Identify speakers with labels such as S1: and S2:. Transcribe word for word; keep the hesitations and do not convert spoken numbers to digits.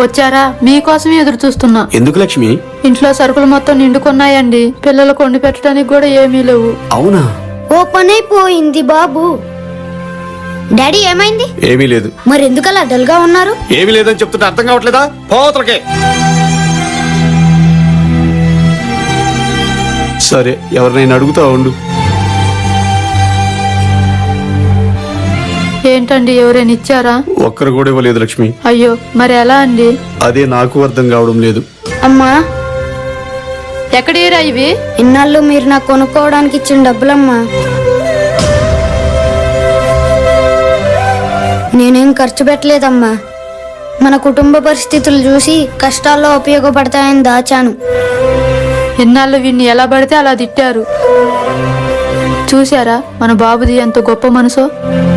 S1: వచ్చారా? మీకోసమే ఎదురు చూస్తున్నా.
S2: ఎందుకు లక్ష్మి?
S1: ఇంట్లో సరుకులు మొత్తం నిండుకున్నాయండి. పిల్లలకు వండి పెట్టడానికి కూడా ఏమీ లేవు.
S2: అవునా?
S3: ఓ పని అయిపోయింది బాబు. డాడీ ఏమైంది?
S2: ఏమీ లేదు.
S3: మరి ఎందుకలా డల్ గా ఉన్నారు?
S2: ఏమీ లేదని చెప్తుంటే అర్థం కావట్లేదా? పోతలకే. సరే, ఎవరినైనా అడుగుతా ఉండు.
S1: ఏంటండి, ఎవరైనా ఇచ్చారా?
S2: ఒక్కరు కూడా ఇవ్వలేదు లక్ష్మి.
S1: అయ్యో, మరి ఎలా అండి?
S2: అదే నాకు అర్థం కావడం లేదు.
S3: అమ్మా,
S1: ఎక్కడేరా ఇవి?
S3: ఇన్నాళ్ళు మీరు నాకు కొనుక్కోవడానికి ఇచ్చిన డబ్బులమ్మా. నేనేం ఖర్చు పెట్టలేదమ్మా. మన కుటుంబ పరిస్థితులు చూసి కష్టాల్లో ఉపయోగపడతాయని దాచాను.
S1: ఇన్నాళ్ళు వీడిని ఎలా పడితే అలా తిట్టారు. చూశారా మన బాబుది ఎంత గొప్ప మనసో.